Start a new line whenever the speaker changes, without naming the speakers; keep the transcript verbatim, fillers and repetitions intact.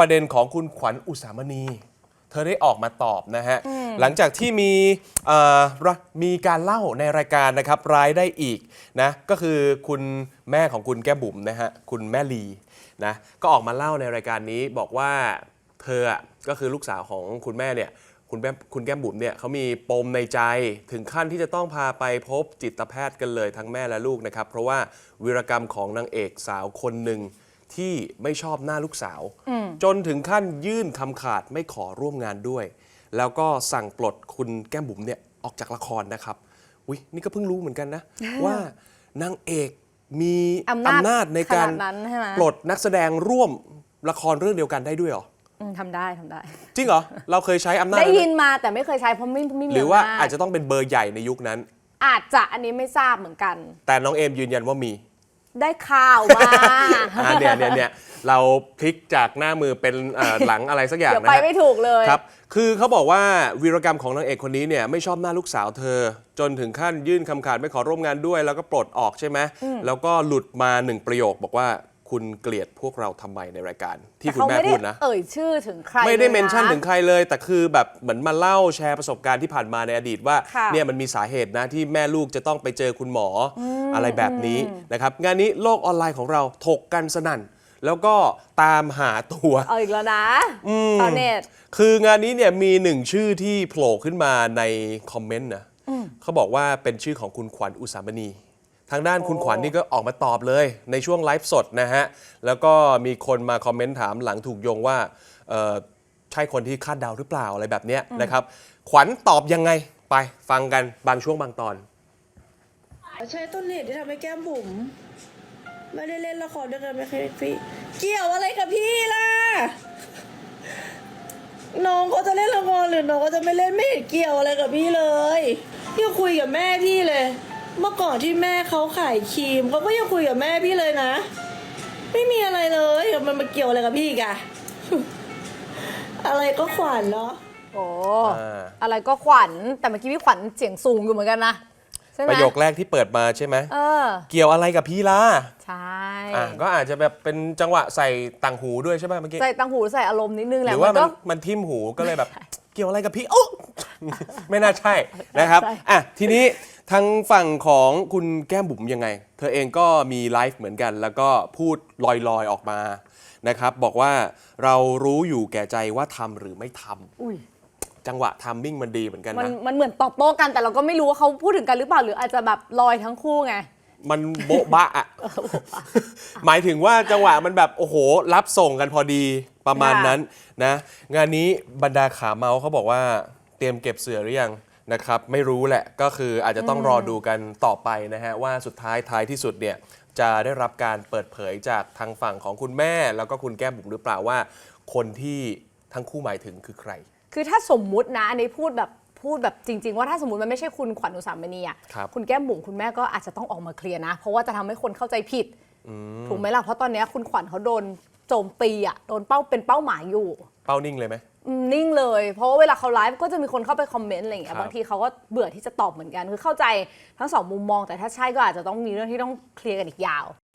ประเด็นของคุณขวัญอุสามณีเธอได้ออกมาตอบนะฮะหลังจากที่มีมีการเล่าในรายการนะครับร้ายได้อีกนะก็คือคุณแม่ของคุณแก้มบุ๋มนะฮะคุณแม่ลีนะก็ออกมาเล่าในรายการนี้บอกว่าเธอก็คือลูกสาวของคุณแม่เนี่ยคุณแม่คุณแก้มบุ๋มเนี่ยเขามีปมในใจถึงขั้นที่จะต้องพาไปพบจิตแพทย์กันเลยทั้งแม่และลูกนะครับเพราะว่าวีรกรรมของนางเอกสาวคนหนึ่งที่ไม่ชอบหน้าลูกสาวจนถึงขั้นยื่นคำขาดไม่ขอร่วมงานด้วยแล้วก็สั่งปลดคุณแก้มบุ๋มเนี่ยออกจากละครนะครับอุ๊ยนี่ก็เพิ่งรู้เหมือนกันนะ ว่านางเอกมีอำนาจ, อำนาจในการปลดนักแสดงร่วมละครเรื่องเดียวกันได้ด้วยหรอ
ทำได้ทำได้
จริงเหรอเราเคยใช้อำนาจ
ได้ยินมาแต่ไม่เคยใช้เพราะไม่ไม่มี
หรือว่าอาจจะต้องเป็นเบอร์ใหญ่ในยุคนั้น
อาจจะอันนี้ไม่ทราบเหมือนกัน
แต่น้องเอมยืนยันว่ามี
ได้ข่าวมา
เนี่ยเนี่ยเนี่ยเราพลิกจากหน้ามือเป็นหลังอะไรสักอย่างนะเดี๋
ยวไปไม่ถูกเลย
ครับคือเขาบอกว่าวีรกรรมของนางเอกคนนี้เนี่ยไม่ชอบหน้าลูกสาวเธอจนถึงขั้นยื่นคำขาดไม่ขอร่วมงานด้วยแล้วก็ปลดออกใช่ไหมแล้วก็หลุดมาหนึ่งประโยคบอกว่าคุณเกลียดพวกเราทำไมในรายการที่คุณแม่พูดนะ
เอ่ยชื่อถึงใคร
ไม่ได้เมนชั่นถึงใครเลยแต่คือแบบเหมือนมาเล่าแชร์ประสบการณ์ที่ผ่านมาในอดีตว่าเนี่ยมันมีสาเหตุนะที่แม่ลูกจะต้องไปเจอคุณหมออะไรแบบนี้นะครับงานนี้โลกออนไลน์ของเราถกกันสนั่นแล้วก็ตามหาตัว
เอาอีกแล้วนะชาวเน็ต
คืองานนี้เนี่ยมีหนึ่งชื่อที่โผล่ขึ้นมาในคอมเมนต์นะเขาบอกว่าเป็นชื่อของคุณขวัญอุสามณีทางด้านคุณขวัญนี่ก็ออกมาตอบเลยในช่วงไลฟ์สดนะฮะแล้วก็มีคนมาคอมเมนต์ถามหลังถูกโยงว่าใช่คนที่คาดเดาหรือเปล่าอะไรแบบนี้นะครับขวัญตอบยังไงไปฟังกันบางช่วงบางตอน
ใช่ต้นเหตุที่ทำให้แก้มบุ๋มไม่ได้เล่นละครด้วยกันไม่เคยพี่เกี่ยวอะไรกับพี่ล่ะน้องเขาจะเล่นละครหรือน้องเขาจะไม่เล่นไม่เห็นเกี่ยวอะไรกับพี่เลยพี่คุยกับแม่พี่เลยเมื่อก่อนที่แม่เขาขายครีมเขาก็ยังคุยกับแม่พี่เลยนะไม่มีอะไรเลยมันมาเกี่ยวอะไรกับพี่กะอะไรก็ขวัญเนาะ
โอ้อะไรก็ขวัญแต่เมื่อกี้พี่ขวัญเสียงสูงอยู่เหมือนกันนะ
ประโยคแรกที่เปิดมาใช่ไหมเออเกี่ยวอะไรกับพี่ล่ะ
ใช่
อ่ะก็อาจจะแบบเป็นจังหวะใส่ต่างหูด้วยใช่ไหมเมื่อกี้
ใส่ต่างหูใส่อารมณ์นิดนึงแหละ
หรือว่ามันมันทิ่มหูก็เลยแบบเกี่ยวอะไรกับพี่โอ้ไม่น่าใช่นะครับอ่ะทีนี้ทางฝั่งของคุณแก้มบุ๋มยังไงเธอเองก็มีไลฟ์เหมือนกันแล้วก็พูดลอยๆออกมานะครับบอกว่าเรารู้อยู่แก่ใจว่าทำหรือไม่ทำจังหวะทัมมิ่งมันดีเหมือนกันนะ
มันเหมือนตอบโต้กันแต่เราก็ไม่รู้ว่าเขาพูดถึงกันหรือเปล่าหรืออาจจะแบบลอยทั้งคู่ไง
มันโบ๊ะบะอ่ะหมายถึงว่าจังหวะมันแบบโอ้โหรับส่งกันพอดีประมาณนั้นนะงานนี้บรรดาขาเมาเขาบอกว่าเตรียมเก็บเสือหรือยังนะครับไม่รู้แหละก็คืออาจจะต้องรอดูกันต่อไปนะฮะว่าสุดท้ายท้ายที่สุดเนี่ยจะได้รับการเปิดเผยจากทางฝั่งของคุณแม่แล้วก็คุณแก้มบุ๋มหรือเปล่าว่าคนที่ทั้งคู่หมายถึงคือใคร
คือถ้าสมมุตินะอันนี้พูดแบบพูดแบบจริงๆว่าถ้าสมมติมันไม่ใช่คุณขวัญอุสามณีอ่ะคุณแก้มบุ๋มคุณแม่ก็อาจจะต้องออกมาเคลียร์นะเพราะว่าจะทำให้คนเข้าใจผิดถูกไหมล่ะเพราะตอนนี้คุณขวัญเขาโดนโจมตีอ่ะโดนเป้าเป็นเป้าหมายอยู่
เป้านิ่งเลยไหม
นิ่งเลยเพราะว่าเวลาเขาไลฟ์ก็จะมีคนเข้าไปคอมเมนต์อะไรอย่างเงี้ยบางทีเขาก็เบื่อที่จะตอบเหมือนกันคือเข้าใจทั้งสองมุมมองแต่ถ้าใช่ก็อาจจะต้องมีเรื่องที่ต้องเคลียร์กันอีกยาว